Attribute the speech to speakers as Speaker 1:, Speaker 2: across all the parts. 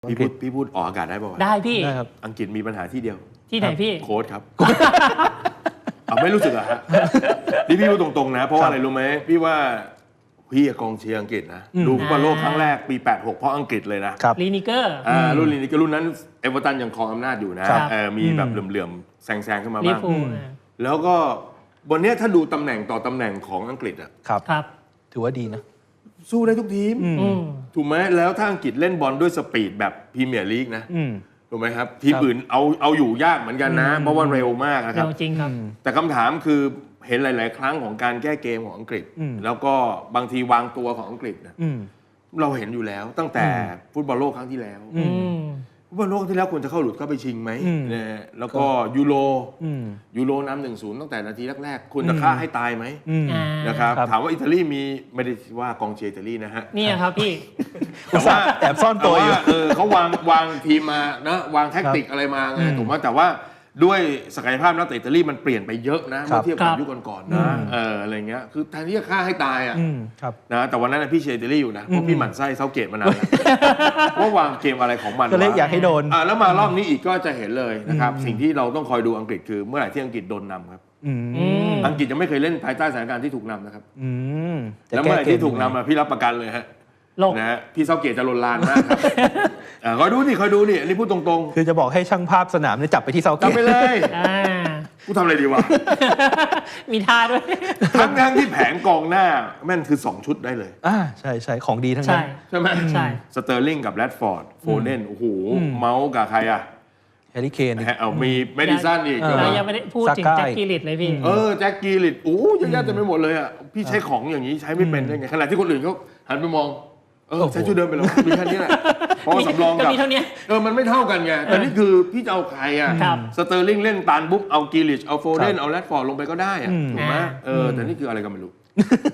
Speaker 1: พี่พูดออกอากาศได้ป่าวะ
Speaker 2: ได้พี่
Speaker 3: ได้ครับ
Speaker 1: อังกฤษมีปัญหาที่เดียว
Speaker 2: ที่ไหนพี่
Speaker 1: โค้ชครับไม่รู้สึกอะฮะนี่พี่พูดตรงๆนะเพราะว่าอะไรรู้ไหมพี่ว่าพี่กองเชียร์อังกฤษนะดูฟุตบอลโลกครั้งแรกปี86เพราะอังกฤษเลยนะ
Speaker 2: ลีนิเกอร์
Speaker 1: รุ่นลีนิเกอร์รุ่นนั้นเอเวอร์ตันยังครองอำนาจอยู่นะมีแบบเหลื่อมๆแซงขึ้นมาบ้างแล้วก็วันนี้ถ้าดูตำแหน่งต่อตำแหน่งของอังกฤษอะ
Speaker 2: ครับ
Speaker 3: ถือว่าดีนะ
Speaker 1: สู้ได้ทุกทีมถูกไหมแล้วถ้าอังกฤษเล่นบอลด้วยสปีดแบบพรีเมียร์ลีกนะถูกไหมครับทีมอื่นเอาอยู่ยากเหมือนกันนะเพราะว่าเร็วมากนะครับ
Speaker 2: จริงครับ
Speaker 1: แต่คำถามคือเห็นหลายๆครั้งของการแก้เกมของอังกฤษแล้วก็บางทีวางตัวของอังกฤษนะเราเห็นอยู่แล้วตั้งแต่ฟุตบอลโลกครั้งที่แล้วฟุตบอลโลกที่แล้วควรจะเข้าหลุดเข้าไปชิงไหมนะแล้วก็ยูโรนำ 1-0 ตั้งแต่นาทีแรกๆควรจะฆ่าให้ตายไหมนะครับถามว่าอิตาลีมีไม่ได้ว่ากองเชียร์อิตาลีนะฮะ
Speaker 2: นี่ครับพี่
Speaker 1: แต่ว่า
Speaker 3: แอบซ่อนตัวอยู่
Speaker 1: เขาวางทีมมานะวางแท็กติกอะไรมาไงถูกไหมแต่ว่าด้วยศักยภาพนักเตะอิตาลีมันเปลี่ยนไปเยอะนะเมื่อเทียบกับยุคก่อนๆนะอะไรเงี้ยคือแทนที่จะฆ่าให้ตายอ่ะนะแต่วันนั้นพี่เชียร์อิตาลีอยู่นะเพราะพี่หมั่นไส้เซาเกตมานานแล้วว่าวางเกมอะไรของมัน
Speaker 3: ก็เลยอยากให้โดน
Speaker 1: แล้วมารอบนี้อีกก็จะเห็นเลยนะครับสิ่งที่เราต้องคอยดูอังกฤษคือเมื่อไหร่ที่อังกฤษโดนนำครับอังกฤษจะไม่เคยเล่นภายใต้สถานการณ์ที่ถูกนำนะครับแล้วเมื่อไหร่ที่ถูกนำพี่รับประกันเลยฮะนะฮะพี่เซาเกตจะลนลานมากครับคอยดูนี่อันนี้พูดตรง
Speaker 3: ๆคือจะบอกให้ช่างภาพสนามเนี่ยจับไปที่เซาเกต
Speaker 1: จับไปเลยกูทำอะไรดีวะ
Speaker 2: มีท่าด้วย
Speaker 1: ทั้งที่แผงกองหน้าแม่นคือ2ชุดได้เลย
Speaker 3: ใช่ของดีทั้งนั้น
Speaker 1: ใช่ไหม
Speaker 2: ใช่
Speaker 1: สเตอร์ลิงกับแรดฟอร์ดโฟเดนโอ้โหเมาส์กับใครอะ
Speaker 3: แฮร์รี่เคน
Speaker 1: มีเมดิสันอีก
Speaker 2: ยังไม่ได้พูดถึงแจ็คกิลิตเลยพี่
Speaker 1: แจ็คกิลิตเยอะแยะเต็มไปหมดเลยอ่ะพี่ใช้ของอย่างนี้ใช้ไม่เป็นได้ไงขณะที่คนอื่นเขาหันไปมองใช้ชุดเดิมไปแล้วมีแค่นี้แหละเพราะสำรองกับมันไม่เท่ากันไงแต่นี่คือพี่จะเอาใครอ่ะสเตอร์ลิงเล่นตานบุ๊บเอากิลิชเอาโฟเดนเอาแรดฟอร์ดลงไปก็ได้อ่ะถูกไหมแต่นี่คืออะไรก็ไม่รู้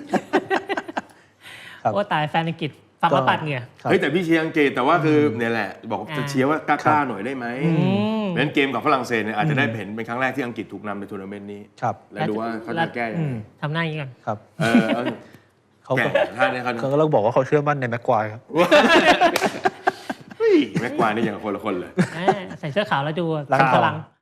Speaker 2: โอ้ตายแฟนอังกฤษฟังแล้วปัดเหงื่อ
Speaker 1: แต่พี่เชียร์อังกฤษแต่ว่าคือเนี่ยแหละบอกจะเชียร์ว่ากล้าหน่อยได้ไหมเพราะฉะนั้นเกมกับฝรั่งเศสเนี่ยอาจจะได้เห็นเป็นครั้งแรกที่อังกฤษถูกนำในทัวร์นาเมนต์นี้แล้วดูว่าเขาจะแก้ยังไง
Speaker 2: ทำหน้าอย่างนี้ก่อน
Speaker 3: ครับ
Speaker 1: เขา
Speaker 3: ก็ต้องบอกว่าเขาเชื่อมั่นในแม็กควายครับ
Speaker 1: แม็กควายนี่อย่างคนละคนเลย
Speaker 2: ใส่เสื้อขาวแล้วดูพลัง